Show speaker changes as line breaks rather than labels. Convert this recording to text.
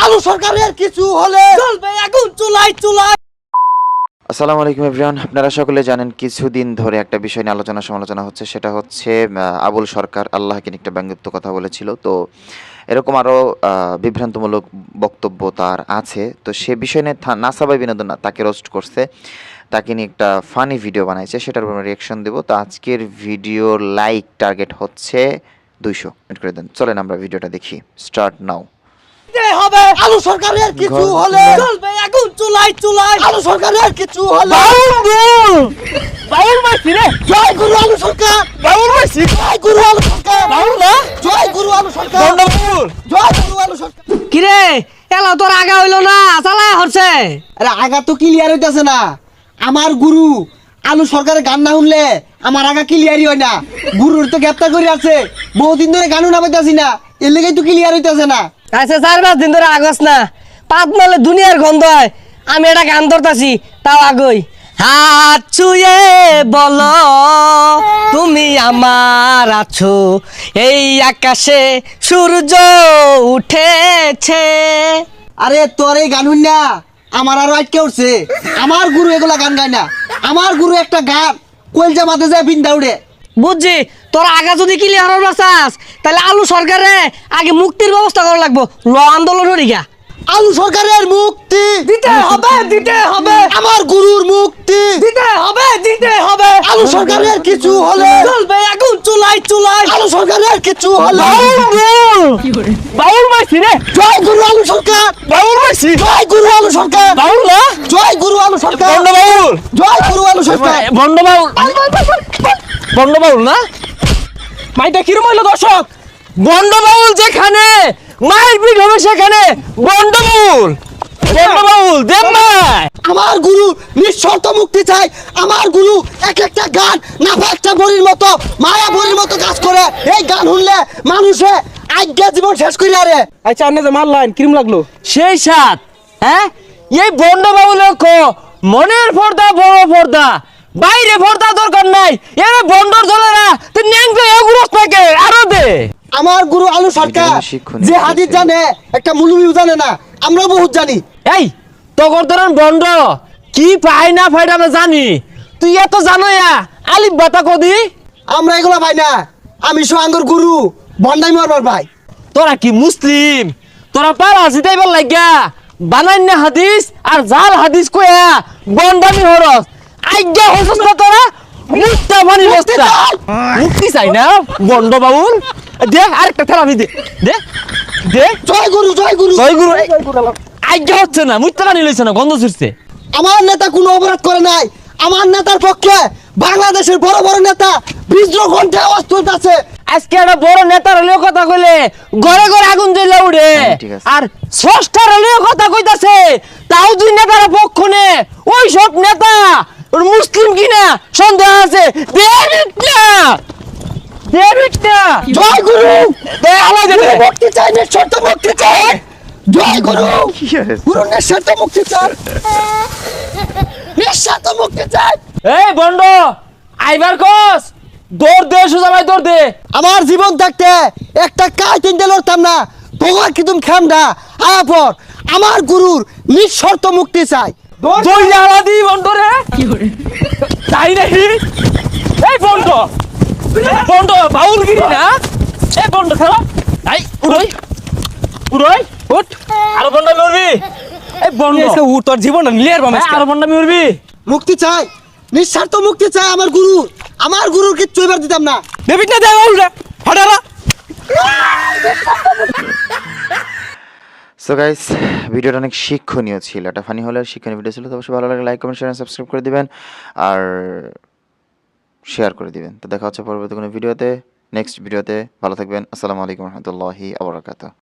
আলু সরকারের কিছু হলে চলবে আগুন চুলাই চুলাই।
আসসালামু আলাইকুম এভরিওয়ান, আপনারা সকলে জানেন কিছুদিন ধরে একটা বিষয় নিয়ে আলোচনা সমালোচনা হচ্ছে, সেটা হচ্ছে আবুল সরকার আল্লাহকে নিয়ে একটা ব্যঙ্গাত্মক কথা বলেছিল। তো এরকম আরও বিভ্রান্তমূলক বক্তব্য তার আছে। তো সে বিষয় নিয়ে নাসাবাই বিনোদন তাকে রোস্ট করছে, তাকে নিয়ে একটা ফানি ভিডিও বানাইছে, সেটার উপর রিয়াকশন দেবো। তো আজকের ভিডিওর লাইক টার্গেট হচ্ছে 200 মিনিট করে দেন। চলেন আমরা ভিডিওটা দেখি। Start now.
হবে আলু সরকারের কিছু হলে চলবে আগুন চুলাই চুলাই। আলু সরকারের কিছু হলে
বাউল মাসি রে,
জয় গুরু আলু সরকার।
বাউল মাসি,
জয় গুরু আলু সরকার।
বাউল না,
জয় গুরু আলু সরকার।
বাউল।
জয় গুরু আলু সরকার।
কিরে এলা তোর আগা হইলো না, চালায় হচ্ছে।
আরে আগা তো ক্লিয়ার হইতাছে না। আমার গুরু আলু সরকারের গান না শুনলে আমার আগা ক্লিয়ারই হয় না। গুরুর তো গ্রেপ্তার করে আছে, বহুদিন ধরে গানও নামাইতাছি না, এর লেগেই তো ক্লিয়ার হইতাছে না।
আচ্ছা 4-5 দিন ধরে আগস না, পাত মালে দুনিয়ার গন্ধ হয়। আমি এটা গান ধরতাছি তাও আগই। হাত ছুঁয়ে বলো তুমি আমার আছো, এই আকাশে সূর্য উঠেছে।
আরে তোর এই গান শুন না আমার আরো আটকে উঠছে। আমার গুরু এগুলা গান গায় না। আমার গুরু একটা গান কলজা মাথে যায় বিন্দা উড়ে।
বুঝছি, তোর আগা যদি ক্লিয়ার হবার চাস তাহলে আলু সরকারে আগে মুক্তির ব্যবস্থা করা লাগবো। ল আন্দোলন হরিগা
আলু সরকারের মুক্তি
দিতে হবে, দিতে হবে,
আমার গুরুর মুক্তি
দিতে হবে, দিতে হবে।
আলু সরকারের কিছু হলে
চলবে আগুন চুলাই চুলাই।
আলু সরকারের কিছু হলে
বাউল মাসি রে,
জয় গুরু আলু সরকার।
বাউল মাসি,
জয় গুরু আলু সরকার।
বাউল না,
জয় গুরু আলু সরকার।
বন্ড বাউল,
জয় গুরু আলু সরকার।
বন্ড বাউল, বন্ড বাউল না। মাইটা কিরম হইলো দর্শক? বন্ড বাউল যেখানে মায়ের পিঠ হবে সেখানে বন্ড বাউল, বন্ড বাউল দেব মাই।
আমার গুরু নিঃশর্ত মুক্তি চাই। আমার গুরু এক একটা গান নাফা একটা বড়ির মতো মায়া বড়ির মতো কাজ করে। এই গান শুনলে মানুষে আজ্ঞা জীবন শেষ করি। আরে
আচ্ছা আপনি যে মারলেন কিরম লাগলো? সেই সাত, হ্যাঁ এই বন্ড বাউল মনের পর্দা বড় পর্দা, বাইরে পর্দা দরকার নাই। এরে বন্ডর দলেরা তুই ন্যাংটা এগুরস থাকে আরো দে।
আমার গুরু আলু সরকার যে হাদিস জানে একটা মুলুমিও জানে না, আমরা বহুত জানি।
এই তগর ধরেন বন্ড কি পাই না ফাইটা আমরা জানি, তুই এত জানো আলিফ বাতা কদি।
আমরা এগুলা ভাই না, আমি সোহাঙ্গর গুরু বন্ডাই মারবার ভাই।
তোরা কি মুসলিম? তোরা পারা জিতাইবার লাগিয়া বানাই না হাদিস আর জাল হাদিস কয়া বন্ডামি হরস আজ্ঞা হসস না তোরা। মুক্তা পানি বস্তা মুক্তি চাই না বন্ড বাউল। দে আরেকটা থেরাপি দে, দে দে।
জয় গুরু জয় গুরু।
জয় গুরু। আজ্ঞা হচ্ছে না, মুক্তা পানি লইছে না, গন্ধ ছুটছে।
আমার নেতা কোনো অপরাধ করে নাই। আমার নেতার পক্ষে বাংলাদেশের বড় বড় নেতা বিদ্রোহ ঘন্টা আওয়াজ তুলতেছে।
আজকে একটা বড় নেতার হলেও কথা কইলে ঘরে ঘরে আগুন জ্বলে উঠে,
ঠিক আছে।
আর ষষ্ঠার হলেও কথা কইতাছে তাও দুই নেতার পক্ষ নে। ওই সব নেতা ওর মুসলিম কিনা সন্দেহ আছে।
জয় গুরু।
দে আলাই দে দে।
মুক্তি চাই, নিঃশর্ত মুক্তি চাই। জয় গুরু। গুরু নিঃশর্ত মুক্তি চাই, নিঃশর্ত মুক্তি চাই।
এই বন্ড আইবার কস, দৌড় দে সোজা ভাই দৌড় দে।
আমার জীবন থাকতে একটা কাজ তিনটে লড়তাম না। তোমার কি তুমি খামডা আয়া পর আমার গুরুর নিঃশর্ত মুক্তি চাই।
দৌড় আলা দি বন্ড রে তাই নাকি? এই বন্ড, বন্ড বাউল গিরি না। এই বন্ড খেলা আই উড়ই উড়ই উঠ আর বন্ড মরবি। এই বন্ড এসে উঠ, তোর জীবনটা নিলের বামে আর বন্ড মরবি।
মুক্তি চাই, নিঃস্বার্থ মুক্তি চাই আমার গুরু। আমার গুরুর কিচ্ছু এবার দিতাম না।
দেবিট না দে বাউল রে হঠারা।
সো গাইস, ভিডিওটা অনেক শিক্ষণীয় ছিল, এটা ফানি হলে শিক্ষণীয় ভিডিও ছিল। তো অবশ্যই ভালো লাগলে লাইক কমেন্ট শেয়ার সাবস্ক্রাইব করে দিবেন আর শেয়ার করে দিবেন। তো দেখা হচ্ছে পরবর্তী কোনো ভিডিওতে, নেক্সট ভিডিওতে। ভালো থাকবেন। আসসালামু আলাইকুম রহমতুল্লাহি আবরাকাতুহু।